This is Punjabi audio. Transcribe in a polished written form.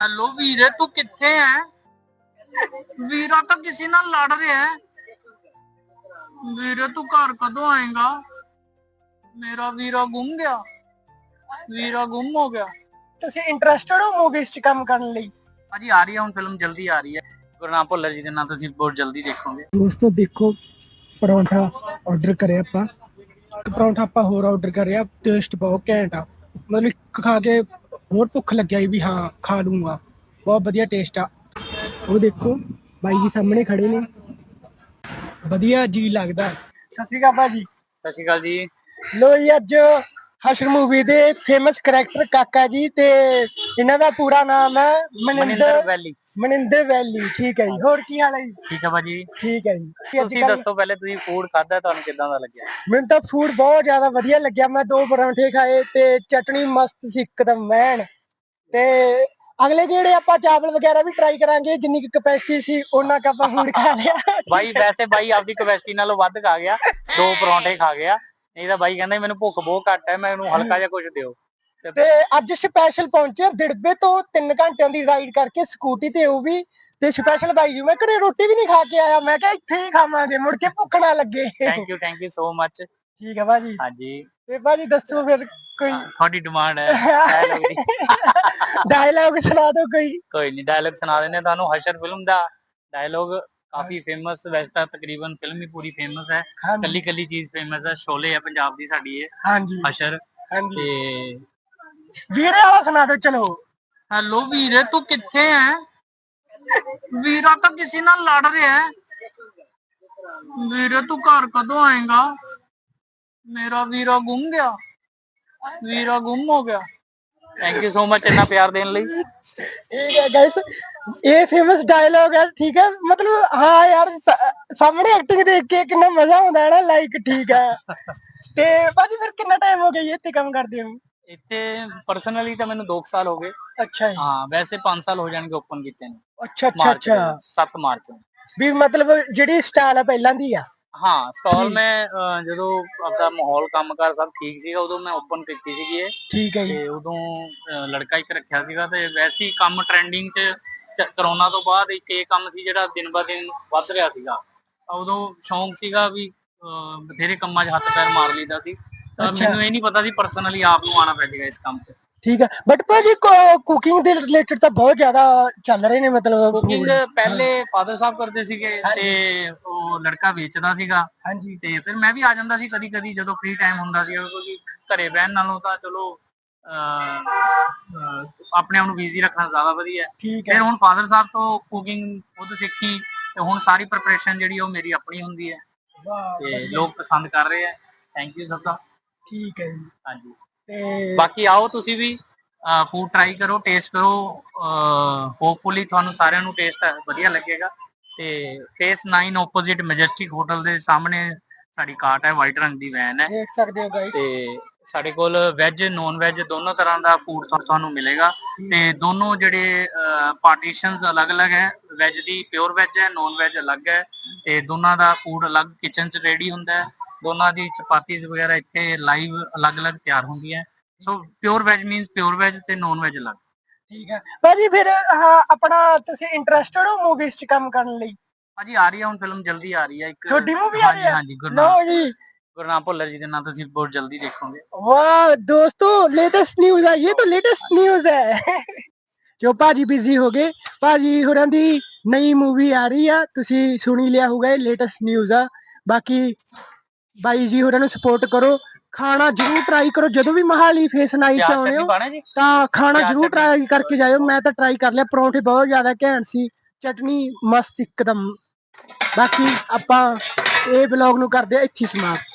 हेलो वीरे, तू किथे है? वीरा तो किसी नाल लड़ रहा है। वीरे तू घर कदों आएगा? मेरा वीरा गुम गया। वीरा गुम हो गया। ਤੁਸੀਂ ਇੰਟਰਸਟਡ ਹੋ ਮੂਵੀਜ਼ 'ਚ ਕੰਮ ਕਰਨ ਲਈ? भाजी आ रही है हुण फिल्म, जल्दी आ रही है। गुरनाम भुल्लर जी के नाम तुसीं बहुत जल्दी देखोगे। ਦੋਸਤੋ ਦੇਖੋ, ਪਰੌਂਠਾ ਆਰਡਰ ਕਰਿਆ ਆਪਾਂ, ਇੱਕ ਪਰੌਂਠਾ ਆਪਾਂ ਹੋਰ ਆਰਡਰ ਕਰਿਆ। ਟੇਸਟ ਬਹੁਤ ਘੈਂਟ ਆ, ਮਤਲਬ ਖਾ ਕੇ ਹੋਰ ਭੁੱਖ ਲੱਗਿਆ ਵੀ ਹਾਂ ਖਾ ਲੂੰਗਾ। ਬਹੁਤ ਵਧੀਆ ਟੇਸਟ ਆ। ਉਹ ਦੇਖੋ ਬਾਈ ਜੀ ਸਾਹਮਣੇ ਖੜੇ ਨੇ, ਵਧੀਆ ਜੀ ਲੱਗਦਾ। ਸਤਿ ਸ਼੍ਰੀ ਅਕਾਲ ਭਾਜੀ। सत श्री अकाल जी। ਲੋ ਜੀ, ਅੱਜ ਹਸ਼ਰ ਮੂਵੀ ਦੇ ਫੇਮਸ ਕਰੈਕਟਰ ਕਾਕਾ ਜੀ ਤੇ ਇਹਨਾਂ ਦਾ ਪੂਰਾ ਨਾਮ ਹੈ मनिंदर वैली। ਮਨਿੰਦਰ ਵੈਲੀ। ਠੀਕ ਹੈ ਜੀ, ਹੋਰ ਕੀ ਹਾਲ ਹੈ ਜੀ? ठीक है भाजी। ਠੀਕ ਹੈ ਜੀ। ਤੁਸੀਂ ਦੱਸੋ ਪਹਿਲੇ, ਤੁਸੀਂ ਫੂਡ ਖਾਦਾ, ਤੁਹਾਨੂੰ ਕਿਦਾਂ ਦਾ ਲੱਗਿਆ? ਮੈਨੂੰ ਤਾਂ ਫੂਡ ਬਹੁਤ ਜ਼ਿਆਦਾ ਵਧੀਆ ਲੱਗਿਆ। ਮੈਂ 2 ਪਰੌਂਠੇ ਖਾਏ ਤੇ ਚਟਨੀ ਮਸਤ ਸੀ ਇੱਕਦਮ ਐਨ। ਤੇ ਅਗਲੇ ਜਿਹੜੇ ਆਪਾਂ ਚਾਵਲ ਵਗੈਰਾ ਵੀ ਟਰਾਈ ਕਰਾਂਗੇ, ਜਿੰਨੀ ਕੁ ਕਪੈਸਿਟੀ ਸੀ ਉਹਨਾਂ ਕ ਆਪਾਂ ਫੂਡ ਖਾ ਲਿਆ। ਬਾਈ ਵੈਸੇ ਬਾਈ ਆਪਦੀ ਕਪੈਸਿਟੀ ਨਾਲੋਂ ਵੱਧ ਖਾ ਗਿਆ, 2 ਪਰੌਂਠੇ ਖਾ ਗਿਆ। ਨਹੀਂ ਤਾਂ ਬਾਈ ਕਹਿੰਦਾ ਮੈਨੂੰ ਭੁੱਖ ਬਹੁਤ ਘੱਟ ਹੈ, ਮੈਨੂੰ ਹਲਕਾ ਜਿਹਾ ਕੁਝ ਦਿਓ। ਤੇ ਅੱਜ ਸਪੈਸ਼ਲ ਪਹੁੰਚੇ ਦਿੜਬੇ ਤੋਂ 3 ਘੰਟਿਆਂ ਦੀ ਰਾਈਡ ਕਰਕੇ ਸਕੂਟੀ ਤੇ, ਉਹ ਵੀ ਤੇ ਸਪੈਸ਼ਲ ਬਾਈ ਜੀ। ਮੈਂ ਘਰੇ ਰੋਟੀ ਵੀ ਨਹੀਂ ਖਾ ਕੇ ਆਇਆ, ਮੈਂ ਕਿਹਾ ਇੱਥੇ ਹੀ ਖਾਵਾਂਗੇ, ਮੁੜ ਕੇ ਭੁੱਖ ਨਾ ਲੱਗੇ। Thank you so much. ਠੀਕ ਹੈ ਭਾਜੀ। ਹਾਂਜੀ ਤੇ ਭਾਜੀ ਦੱਸੋ ਫਿਰ ਕੋਈ ਤੁਹਾਡੀ ਡਿਮਾਂਡ ਹੈ ਡਾਇਲੌਗ ਦੀ। ਡਾਇਲੌਗ ਸੁਣਾ ਦਿਓ ਕੋਈ। ਕੋਈ ਨਹੀਂ, ਡਾਇਲੌਗ ਸੁਣਾ ਦਿੰਦੇ ਤੁਹਾਨੂੰ। ਹਸ਼ਰ ਫਿਲਮ ਦਾ ਡਾਇਲੌਗ ਕਾਫੀ ਫੇਮਸ, ਵੈਸੇ ਤਾਂ ਤਕਰੀਬਨ ਫਿਲਮ ਹੀ ਪੂਰੀ ਫੇਮਸ ਹੈ, ਕੱਲੀ ਕੱਲੀ ਚੀਜ਼ ਫੇਮਸ ਹੈ। ਸ਼ੋਲੇ ਹੈ ਪੰਜਾਬ ਦੀ ਸਾਡੀ ਇਹ। ਹਾਂਜੀ ਹਸ਼ਰ। ਹਾਂਜੀ, ਤੇ ਵੀਰੇ ਵਾਲਾ ਸੁਣਾ ਦਿਓ ਚਲੋ। हेलो वीरे, तू किथे है? वीरा तो किसी नाल लड़ रहा है। वीरे तू घर कदों आएगा? मेरा वीरा गुम गया। वीरा गुम हो गया। थैंक यू सो मच इतना प्यार देने ਲਈ। ठीक है गाइस, ये फेमस डायलॉग है। ठीक है, मतलब हाँ यार, सामने एक्टिंग देख के कितना मजा आता है ना, लाइक। ठीक है। ਤੇ ਭਾਜੀ ਫਿਰ ਕਿੰਨਾ ਟਾਈਮ ਹੋ ਗਿਆ ਜੀ ਇੱਥੇ ਕੰਮ ਕਰਦੇ ਨੂੰ? ਇੱਥੇ ਪਰਸਨਲੀ ਤਾਂ ਮੈਨੂੰ 2 ਸਾਲ ਹੋ ਗਏ। ਅੱਛਾ ਜੀ। ਹਾਂ, ਵੈਸੇ 5 ਸਾਲ ਹੋ ਜਾਣਗੇ ਓਪਨ ਕੀਤੇ ਨੂੰ। ਅੱਛਾ ਅੱਛਾ ਅੱਛਾ। 7 ਮਾਰਚ ਨੂੰ। ਵੀ ਮਤਲਬ ਜਿਹੜੀ ਸਟਾਈਲ ਆ ਪਹਿਲਾਂ ਦੀ ਆ। ਹਾਂ, ਸਟਾਲ ਮੈਂ ਜਦੋਂ ਆਪਦਾ ਮਾਹੌਲ ਕੰਮਕਾਰ ਸਭ ਠੀਕ ਸੀਗਾ, ਉਦੋਂ ਮੈਂ ਓਪਨ ਕੀਤੀ ਸੀਗੀ ਇਹ। ਠੀਕ ਹੈ ਜੀ। ਤੇ ਉਦੋਂ ਲੜਕਾ ਇੱਕ ਰੱਖਿਆ ਸੀਗਾ, ਤੇ ਵੈਸੇ ਹੀ ਕੰਮ ਟ੍ਰੈਂਡਿੰਗ 'ਚ ਕਰੋਨਾ ਤੋਂ ਬਾਅਦ ਇੱਕ ਇਹ ਕੰਮ ਸੀ ਜਿਹੜਾ ਦਿਨ ਬ ਦਿਨ ਵੱਧ ਰਿਹਾ ਸੀਗਾ। ਉਦੋਂ ਸ਼ੌਂਕ ਸੀਗਾ ਵੀ ਬਥੇਰੇ ਕੰਮਾਂ 'ਚ ਹੱਥ ਪੈਰ ਮਾਰ ਲਈਦਾ ਸੀ। ਤਾਂ ਮੈਨੂੰ ਇਹ ਨਹੀਂ ਪਤਾ ਸੀ ਪਰਸਨਲੀ ਆਪ ਨੂੰ ਆਉਣਾ ਪੈ ਜਾਏਗਾ ਇਸ ਕੰਮ 'ਚ। ਠੀਕ ਹੈ, ਬਟ ਭਾਜੀ ਕੁਕਿੰਗ ਦੇ ਰਿਲੇਟਡ ਤਾਂ ਬਹੁਤ ਜ਼ਿਆਦਾ ਚੱਲ ਰਹੇ ਨੇ, ਮਤਲਬ ਕੁਕਿੰਗ ਪਹਿਲੇ ਫਾਦਰ ਸਾਹਿਬ ਕਰਦੇ ਸੀਗੇ ਤੇ ਉਹ ਲੜਕਾ ਵੇਚਦਾ ਸੀਗਾ। ਹਾਂਜੀ। ਤੇ ਫਿਰ ਮੈਂ ਵੀ ਆ ਜਾਂਦਾ ਸੀ ਕਦੀ ਕਦੀ ਜਦੋਂ ਫ੍ਰੀ ਟਾਈਮ ਹੁੰਦਾ ਸੀ, ਕਿਉਂਕਿ ਘਰੇ ਬਹਿਣ ਨਾਲੋਂ ਤਾਂ ਚਲੋ ਆਪਣੇ ਆਪ ਨੂੰ ਬਿਜ਼ੀ ਰੱਖਣਾ ਜ਼ਿਆਦਾ ਵਧੀਆ। ਫਿਰ ਹੁਣ ਫਾਦਰ ਸਾਹਿਬ ਤੋਂ ਕੁਕਿੰਗ ਖੁਦ ਸਿੱਖੀ, ਤੇ ਹੁਣ ਸਾਰੀ ਪ੍ਰਿਪਰੇਸ਼ਨ ਜਿਹੜੀ ਉਹ ਮੇਰੀ ਆਪਣੀ ਹੁੰਦੀ ਹੈ, ਤੇ ਲੋਕ ਪਸੰਦ ਕਰ ਰਹੇ ਆ। ਥੈਂਕ ਯੂ ਸਭ ਦਾ। ਠੀਕ ਹੈ ਜੀ। ਹਾਂਜੀ, ਤੇ ਬਾਕੀ ਆਓ ਤੁਸੀਂ ਵੀ ਫੂਡ ਟਰਾਈ ਕਰੋ, ਟੇਸਟ ਕਰੋ। ਹੋਪਫੁਲੀ ਤੁਹਾਨੂੰ ਸਾਰਿਆਂ ਨੂੰ ਟੇਸਟ ਵਧੀਆ ਲੱਗੇਗਾ। ਤੇ ਫੇਸ 9 ਆਪੋਜ਼ਿਟ ਮੈਜੈਸਟਿਕ ਹੋਟਲ ਦੇ ਸਾਹਮਣੇ ਸਾਡੀ ਕਾਰਟ ਹੈ, ਵਾਈਟ ਰੰਗ ਦੀ ਵੈਨ ਹੈ, ਦੇਖ ਸਕਦੇ ਹੋ ਗਾਇਸ। ਤੇ ਸਾਡੇ ਕੋਲ ਵੈਜ ਨੌਨ ਵੈਜ ਦੋਨੋਂ ਤਰ੍ਹਾਂ ਦਾ ਫੂਡ ਤੁਹਾਨੂੰ ਮਿਲੇਗਾ। ਤੇ ਦੋਨੋਂ ਜਿਹੜੇ ਪਾਰਟੀਸ਼ਨਸ ਅਲੱਗ-ਅਲੱਗ ਹੈ, ਵੈਜ ਦੀ ਪਿਓਰ ਵੈਜ ਹੈ, ਨੌਨ ਵੈਜ ਅਲੱਗ ਹੈ, ਤੇ ਦੋਨਾਂ ਦਾ ਫੂਡ ਅਲੱਗ ਕਿਚਨ 'ਚ ਰੈਡੀ ਹੁੰਦਾ ਹੈ। ਦੋਨਾਂ ਦੀ ਚਪਾਤੀਜ਼ ਵਗੈਰਾ ਇੱਥੇ ਲਾਈਵ ਅਲੱਗ-ਅਲੱਗ ਤਿਆਰ ਹੁੰਦੀਆਂ। So pure veg means pure veg ਤੇ ਨੌਨ ਵੈਜ ਅਲੱਗ। ਠੀਕ ਹੈ ਭਾਜੀ। ਫਿਰ ਆਪਣਾ ਤੁਸੀਂ ਇੰਟਰਸਟਡ ਹੋ ਮੂਵੀਜ਼ 'ਚ ਕੰਮ ਕਰਨ ਲਈ? ਭਾਜੀ ਆ ਰਹੀ ਹੈ ਹੁਣ ਫਿਲਮ, ਜਲਦੀ ਆ ਰਹੀ ਹੈ ਇੱਕ। ਤੁਹਾਡੀ ਮੂਵੀ ਆ ਰਹੀ ਹੈ? ਹਾਂਜੀ, ਗੁਰਨਾਮ ਭੁੱਲਰ ਜੀ ਦੇ ਨਾਮ ਤੁਸੀਂ ਬਹੁਤ ਜल्दी देखोगे। वाह दोस्तों, लेटेस्ट न्यूज है ये, तो लेटेस्ट न्यूज है। ਜੋ ਭਾਜੀ ਬਿਜ਼ੀ ਹੋ ਗਏ, ਭਾਜੀ ਹੋਰਾਂ ਦੀ ਨਈ ਮੂਵੀ ਆ ਰਹੀ ਆ, ਤੁਸੀਂ ਸੁਣੀ ਲਿਆ ਹੋਊਗਾ, ਇਹ ਲੇਟੈਸਟ ਨਿਊਜ਼ ਆ। ਬਾਕੀ ਬਾਈ ਜੀ ਹੋਰਾਂ ਨੂੰ ਸਪੋਰਟ ਕਰੋ, ਖਾਣਾ ਜ਼ਰੂਰ ਟਰਾਈ ਕਰੋ। ਜਦੋਂ ਵੀ ਮਹਾਲੀ ਫੇਸ ਨਾਈਟ 'ਚ ਆਉਣੇ ਹੋ ਤਾਂ ਖਾਣਾ ਜ਼ਰੂਰ ਟਰਾਈ ਕਰਕੇ ਜਾਇਓ। ਮੈਂ ਤਾਂ ਟਰਾਈ ਕਰ ਲਿਆ, ਪਰੌਂਠੇ ਬਹੁਤ ਜ਼ਿਆਦਾ ਘੈਂਟ ਸੀ, ਚਟਨੀ ਮਸਤ ਇੱਕਦਮ। ਬਾਕੀ ਆਪਾਂ ਇਹ ਬਲੌਗ ਨੂੰ ਕਰਦੇ ਆ ਇੱਥੇ ਸਮਾਪਤ।